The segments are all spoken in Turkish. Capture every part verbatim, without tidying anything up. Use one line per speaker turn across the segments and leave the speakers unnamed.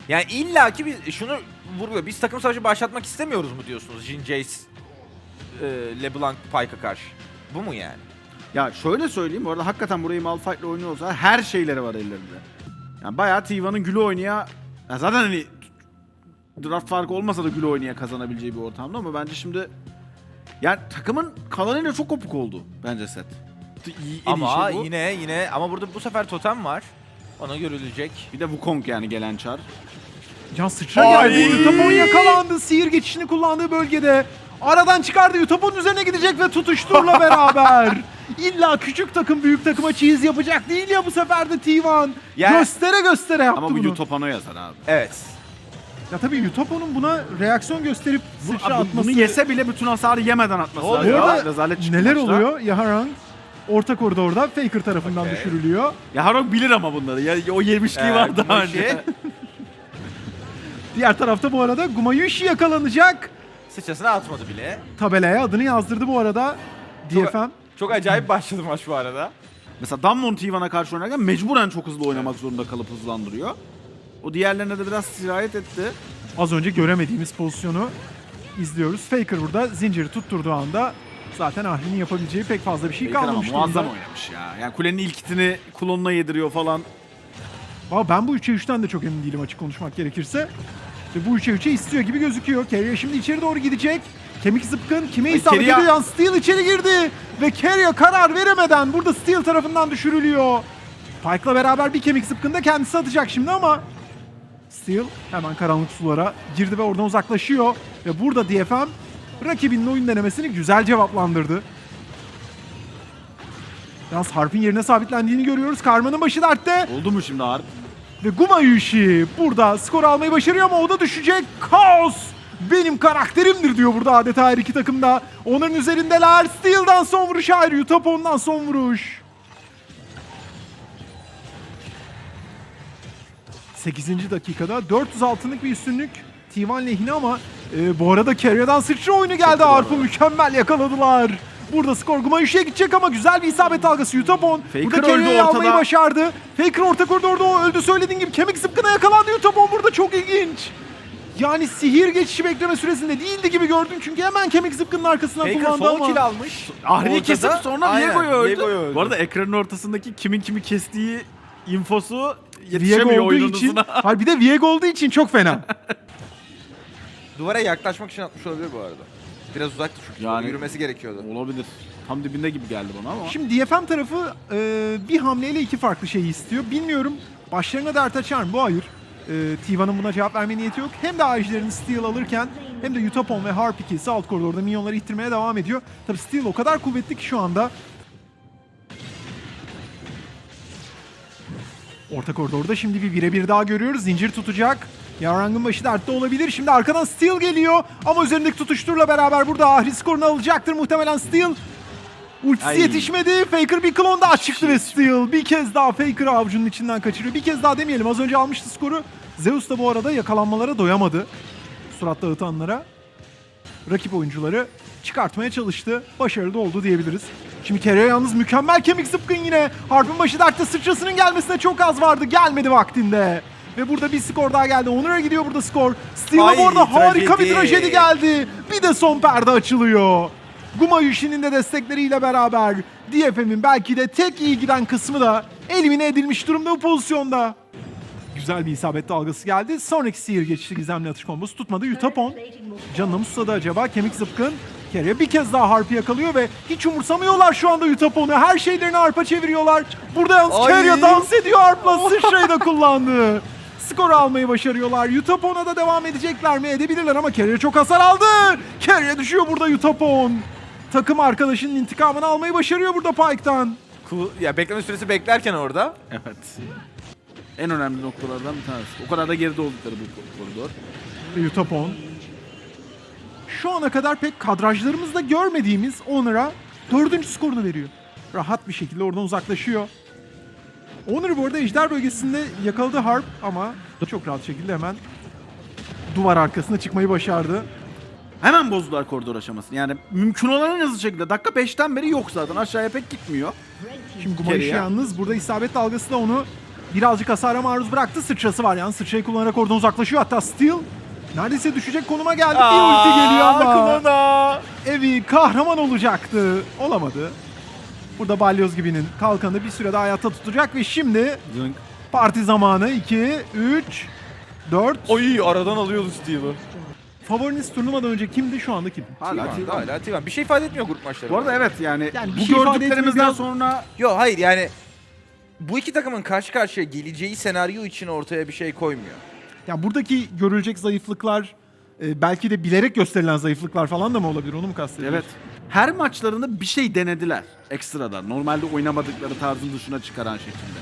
Yani illaki bir şunu vurguyor. Biz takım savaşı başlatmak istemiyoruz mu diyorsunuz Jhin, Jace, e, LeBlanc, Pyke'a karşı? Bu mu yani?
Ya şöyle söyleyeyim, bu arada hakikaten burayı Malphite'le oynuyorsa her şeyleri var ellerinde. Yani bayağı T one'ın gülü oynaya, ya zaten hani draft farkı olmasa da gülü oynaya kazanabileceği bir ortamda ama bence şimdi yani takımın kalanıyla çok kopuk oldu bence set. İyi, en
Ama
iyi şey bu.
yine yine ama burada bu sefer totem var. Ona görülecek.
Bir de Wukong yani gelen çar.
Can sıçra
Ay!
geldi. Yutapon yakalandı. Sihir geçişini kullandığı bölgede. Aradan çıkardı. Yutapon üzerine gidecek ve tutuşturla beraber. İlla küçük takım büyük takıma cheese yapacak değil ya bu sefer de T one.
Ya-
Göstere göstere yaptı
Ama bu
bunu.
Yutapano yazar abi.
Evet.
Ya tabii Yutapon'un buna reaksiyon gösterip
Bu,
sıçra
abi
atması.
bunu yese bile bütün hasarı yemeden atması
Ne
lazım.
oluyor?
Bu arada
Rezalet çıktı
neler
maçta.
oluyor? Yaharang orta koridorda Faker tarafından
Okay.
düşürülüyor.
Ya Harok bilir ama bunları. Ya, o yemişliği
Ee,
var daha
Gumayushi.
önce.
Diğer tarafta bu arada Gumayushi yakalanacak.
Sıçrasını atmadı bile.
Tabelaya adını yazdırdı bu arada. D F M.
Çok acayip başladı maç bu arada.
Mesela Dammon T one'a karşı oynarken mecburen çok hızlı oynamak zorunda kalıp hızlandırıyor. O diğerlerine de biraz sirayet etti.
Az önce göremediğimiz pozisyonu izliyoruz. Faker burada zinciri tutturduğu anda zaten Ahri'nin yapabileceği pek fazla bir şey
Faker ama
kalmamış
muazzam
durumda.
oynamış ya. Yani kulenin ilk hitini klonuna yediriyor falan.
Ama ben bu üçe üçten de çok emin değilim açık konuşmak gerekirse. Ve bu üçe üçe istiyor gibi gözüküyor. Keria şimdi içeri doğru gidecek. Kemik zıpkın kime
Ay,
isabet
Keria-
ediyor? Yani Steel içeri girdi. Ve Keria karar veremeden burada Steel tarafından düşürülüyor. Pyke'la beraber bir kemik zıpkın da kendisi atacak şimdi ama Steel hemen karanlık sulara girdi ve oradan uzaklaşıyor. Ve burada D F M rakibinin oyun denemesini güzel cevaplandırdı. Yalnız Harp'in yerine sabitlendiğini görüyoruz. Karma'nın başı dertte.
Oldu mu şimdi Harp?
Ve Gumayushi burada skor almayı başarıyor ama o da düşecek. Kaos benim karakterimdir diyor burada adeta her iki takımda. Onların üzerindeler. Steel'dan son vuruş ayrı. Yutapon'dan son vuruş. sekizinci dakikada dört yüz altınlık bir üstünlük T one lehine ama e, bu arada Keria'dan sıçra oyunu geldi. Arp'ı mükemmel yakaladılar. Burada skor Gumayushi'ye gidecek ama güzel bir isabet dalgası Yutapon.
Faker
Burada
öldü
Keria'yı
ortada.
almayı başardı. Faker orta koridorda o öldü söylediğin gibi. Kemik zıpkına yakalandı Yutapon burada çok ilginç. Yani sihir geçişi bekleme süresinde değildi gibi gördüm çünkü hemen kemik zıpkının arkasından
Faker
kullandı
son
ama.
kill almış.
Ahri'yi
Ortada-
kesip sonra
Aynen,
Viego'yu öldü.
Viego'yu öldü.
Bu arada ekranın ortasındaki kimin kimi kestiği infosu
Viego
yetişemiyor
olduğu
oyunun
için,
hızına.
hayır bir de Viego olduğu için çok fena.
Duvara yaklaşmak için atmış olabilir bu arada. Biraz uzaktı çünkü.
Yani-
Yani yürümesi gerekiyordu.
Olabilir. Tam dibinde gibi geldi bana ama.
Şimdi D F M tarafı e, bir hamleyle iki farklı şeyi istiyor. Bilmiyorum başlarına dert açar mı? Bu hayır. E, T one'ın buna cevap verme niyeti yok. Hem de ağaçlarını Steel alırken hem de Yutapon ve Harp ikisi alt koridorda minyonları ittirmeye devam ediyor. Tabii Steel o kadar kuvvetli ki şu anda. Orta koridorda şimdi bir birebir daha görüyoruz. Zincir tutacak. Yarang'ın başı dertte olabilir. Şimdi arkadan Steel geliyor. Ama üzerindeki tutuşturla beraber burada Ahri skorunu alacaktır muhtemelen Steel. Ultisi
Ay.
yetişmedi. Faker bir klon daha çıktı ve Steel bir kez daha Faker'ı avucunun içinden kaçırıyor. Bir kez daha demeyelim. Az önce almıştı skoru. Zeus da bu arada yakalanmalara doyamadı. Surat dağıtanlara. Rakip oyuncuları çıkartmaya çalıştı. Başarılı da oldu diyebiliriz. Şimdi Keria yalnız mükemmel kemik zıpkın yine. Harp'ın başı dertte sıçrasının gelmesine çok az vardı. Gelmedi vaktinde. Ve burada bir skor daha geldi. Onur'a gidiyor burada skor. Steel'a
Ay,
bu arada harika bir
trajedi.
trajedi geldi. Bir de son perde açılıyor. Gumayushi'nin de destekleriyle beraber D F M'in belki de tek iyi giden kısmı da elimine edilmiş durumda bu pozisyonda. Güzel bir isabet dalgası geldi. Sonraki sihir geçişi gizemli atış kombosu tutmadı. Yutapon canına mı susadı acaba? Kemik zıpkın. Keria bir kez daha Harp'ı yakalıyor ve hiç umursamıyorlar şu anda Yutapon'u. Her şeylerini Harp'a çeviriyorlar. Burada yalnız
Ay.
Keria dans ediyor Harp'la. Sıçrayı da kullandı. Skoru almayı başarıyorlar. Yutapon'a da devam edecekler mi? Edebilirler ama Keria çok hasar aldı. Keria düşüyor burada Yutapon. Takım arkadaşının intikamını almayı başarıyor burada Pyke'tan.
Cool. Ya bekleme süresi beklerken orada.
Evet. En önemli noktalardan bir tanesi. O kadar da geride oldukları bu koridor.
Ve Yutapon. Şu ana kadar pek kadrajlarımızda görmediğimiz Honor'a dördüncü skorunu veriyor. Rahat bir şekilde oradan uzaklaşıyor. Honor bu arada ejder bölgesinde yakaladı Harp ama çok rahat şekilde hemen duvar arkasına çıkmayı başardı.
Hemen bozdular koridor aşamasını. Yani mümkün olan en hızlı şekilde. Dakika beşten beri yok zaten. Aşağıya pek gitmiyor.
Şimdi Gumayushi
Keria.
yalnız burada isabet dalgası da onu birazcık hasara maruz bıraktı. Sıçrası var yani. Sıçrayı kullanarak oradan uzaklaşıyor. Hatta Steel neredeyse düşecek konuma geldi. Bir ulti geliyor ama
Klona.
Evi kahraman olacaktı. Olamadı. Burada Balyoz gibinin kalkanı bir sürede hayatta tutacak ve şimdi
Zınk.
parti zamanı. iki, üç, dört.
Oy aradan alıyordu Steve'ı.
Favoriniz turnuvadan önce kimdi, şu anda kim?
Hala
Hala
T-One.
Hala T-One. Bir şey ifade etmiyor grup maçları.
Bu arada evet yani,
Yani bir
bu
şey ifade
gördüklerimizden
etmiyor, biraz-
sonra
Yok hayır yani bu iki takımın karşı karşıya geleceği senaryo için ortaya bir şey koymuyor.
Yani buradaki görülecek zayıflıklar e, belki de bilerek gösterilen zayıflıklar falan da mı olabilir? Onu mu kastediyorsun?
evet her maçlarında bir şey denediler ekstradan. Normalde oynamadıkları tarzın dışına çıkaran şekilde.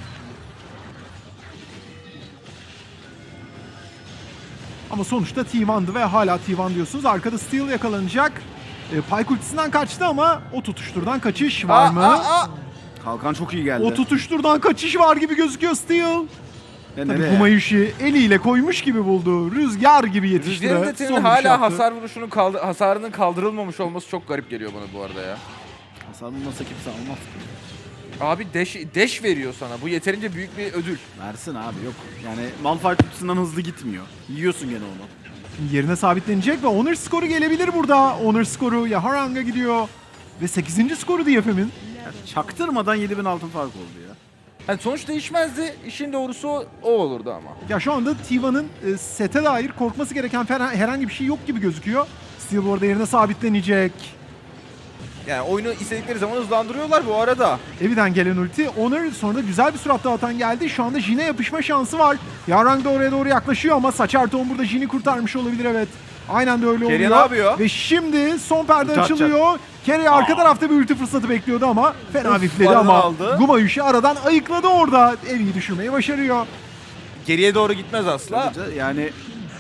Ama sonuçta T one'dı ve hala T one diyorsunuz. Arkada Steel yakalanacak. E, Pyke ultisinden kaçtı ama o tutuşturdan kaçış var
Aa,
mı?
aa, aa.
Kalkan çok iyi geldi.
O tutuşturdan kaçış var gibi gözüküyor Steel.
Ve
Tabii
nereye?
Gumayushi eliyle koymuş gibi buldu. Rüzgar gibi yetişti.
Rüzgar'ın
ve
Dete'nin
son vuruş
hala
yaptı.
hasar vuruşunun kaldı, hasarının kaldırılmamış olması çok garip geliyor bana bu arada ya.
Hasar bulmasa kimse almaz ki.
Abi deş, deş veriyor sana. Bu yeterince büyük bir ödül.
Versin abi yok. Yani Malphite kutusundan hızlı gitmiyor. Yiyorsun gene onu.
Şimdi yerine sabitlenecek ve Honor skoru gelebilir burada. Honor skoru Yaharang'a gidiyor. Ve sekizinci skoru D F M'in.
Yani çaktırmadan yedi bin altın fark oldu ya.
Yani sonuç değişmezdi. İşin doğrusu o, o olurdu ama.
Ya şu anda T one'ın e, sete dair korkması gereken fer- herhangi bir şey yok gibi gözüküyor. Steel bu arada yerine sabitlenecek.
Yani oyunu istedikleri zaman hızlandırıyorlar bu arada.
Evi'den gelen ulti. Honor sonra da güzel bir surat dağıtan geldi. Şu anda Jin'e yapışma şansı var. Yarang da oraya doğru yaklaşıyor ama Saçarton burada Jin'i kurtarmış olabilir, evet. Aynen de öyle oluyor.
Kerry ne yapıyor?
Ve şimdi son perde
Ulti
açılıyor. Kerry arka tarafta bir ulti fırsatı bekliyordu ama fena
Of,
bifledi
barını
ama
aldı.
Gumayushi aradan ayıkladı orada. Evi'yi düşürmeyi başarıyor.
Geriye doğru gitmez asla.
Yani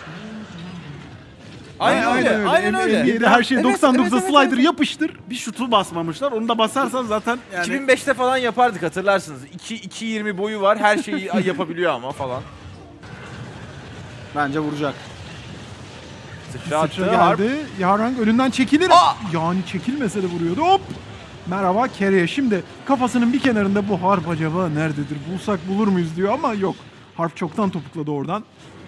Aynen, öyle. Aynen öyle.
N B A'de her şey
Evet,
doksan dokuza
evet, evet,
slider
evet.
yapıştır.
bir şutu basmamışlar. Onu da basarsan zaten yani
iki bin beşte falan yapardık hatırlarsınız. iki iki yirmi boyu var. Her şeyi yapabiliyor ama falan.
bence vuracak.
Sıçra
Sıçra
attı. Harp.
geldi. Yarang önünden çekilir.
Aa!
Yani çekilmese de vuruyordu. Hop! Merhaba Kerry'e. Şimdi kafasının bir kenarında bu harp acaba nerededir? Bulsak bulur muyuz diyor ama yok. Harp çoktan topukladı oradan.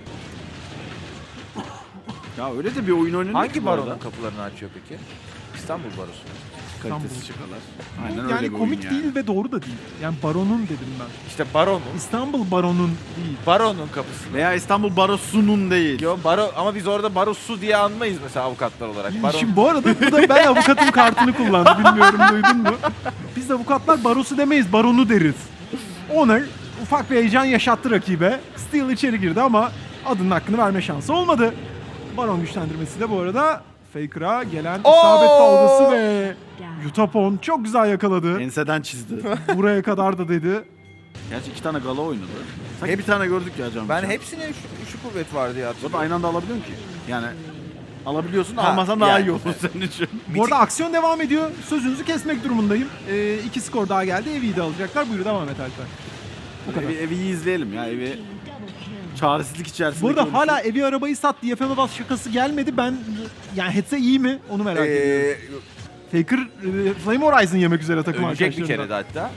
Ya öyle de bir oyun oynanıyor.
Hangi
ki bu arada.
baronun kapılarını açıyor peki? İstanbul Barosu.
Kalitesiz şakalar. Aynen
yani
öyle bir
komik
oyun yani.
değil ve doğru da değil. Yani baronun dedim ben.
İşte baronun.
İstanbul baronun değil.
Baronun kapısı.
Veya İstanbul Barosu'nun değil.
Yo baro ama biz orada barosu diye anmayız mesela avukatlar olarak. Baron.
Şimdi bu arada bu da ben avukatın kartını kullandı. Bilmiyorum duydun mu? Biz avukatlar barosu demeyiz, baronu deriz. Honor ufak bir heyecan yaşattı rakibe. Steel içeri girdi ama adının hakkını verme şansı olmadı. Baron güçlendirmesi de bu arada Faker'a gelen
Oo!
isabet dalgası ve Yutapon çok güzel yakaladı.
Enseden çizdi.
Buraya kadar da dedi.
Gerçi iki tane gala oynadı. Sanki
Hep-
bir tane gördük ya Can.
Ben hepsine üç, üç kuvvet vardı ya.
Bu da
hatırlıyorum.
aynı anda alabiliyorum ki. Yani alabiliyorsun
Ha,
almasan daha
yani.
iyi olur senin için.
Bu arada aksiyon devam ediyor. Sözünüzü kesmek durumundayım. Ee, iki skor daha geldi. Evi'yi de alacaklar. Buyur devam et Alper. Bu kadar.
Evi, evi izleyelim ya evi. Çaresizlik içerisinde.
Bu arada hala evi arabayı sat diye F M bas şakası gelmedi. Ben yani hetse iyi mi? Onu merak ediyorum.
Ee,
Faker e, Flame Horizon yemek üzere takım
ölecek bir kere
arkadaşlarından.
de hatta.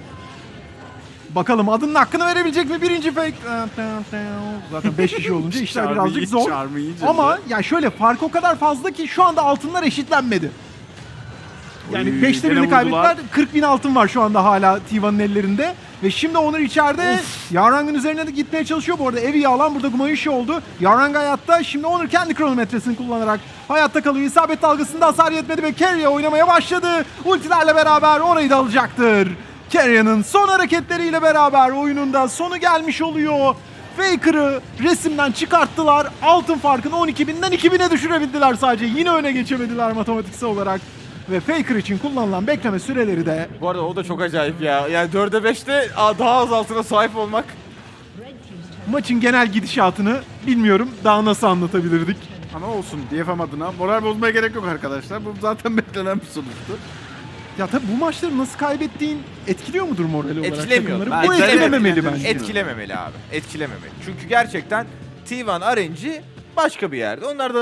Bakalım adının hakkını verebilecek mi birinci fake? Zaten beş kişi olunca işler birazcık zor. Ama ya şöyle fark o kadar fazla ki şu anda altınlar eşitlenmedi. Yani
Oy,
beşte
gene
birini
vurdular.
kaybettiler. kırk bin altın var şu anda hala T one'ın ellerinde. Ve şimdi Onur içeride. Yarang'ın üzerine de gitmeye çalışıyor. Bu arada Evi'yi alan burada Gumayushi oldu. Yarang hayatta. Şimdi Onur kendi kronometresini kullanarak hayatta kalıyor. İsabet dalgasında hasar yetmedi ve Keria oynamaya başladı. Ultilerle beraber orayı da alacaktır. Keria'nın son hareketleriyle beraber oyununda sonu gelmiş oluyor. Faker'ı resimden çıkarttılar. Altın farkını on iki binden iki bine düşürebildiler sadece. Yine öne geçemediler matematiksel olarak. Ve Faker için kullanılan bekleme süreleri de
Bu arada o da çok acayip ya. Yani dörde beşte daha az altına sahip olmak.
maçın genel gidişatını bilmiyorum daha nasıl anlatabilirdik.
Ama olsun D F M adına. Moral bozmaya gerek yok arkadaşlar. Bu zaten beklenen bir sonuçtu.
Ya tabii bu maçları nasıl kaybettiğin etkiliyor mudur moral olarak
Etkilemiyor.
takımları? Bu
Bence
etkilememeli
etkilemiyor.
bence.
Etkilememeli abi. Etkilememeli. Çünkü gerçekten T bir R N G başka bir yerde. Onlar da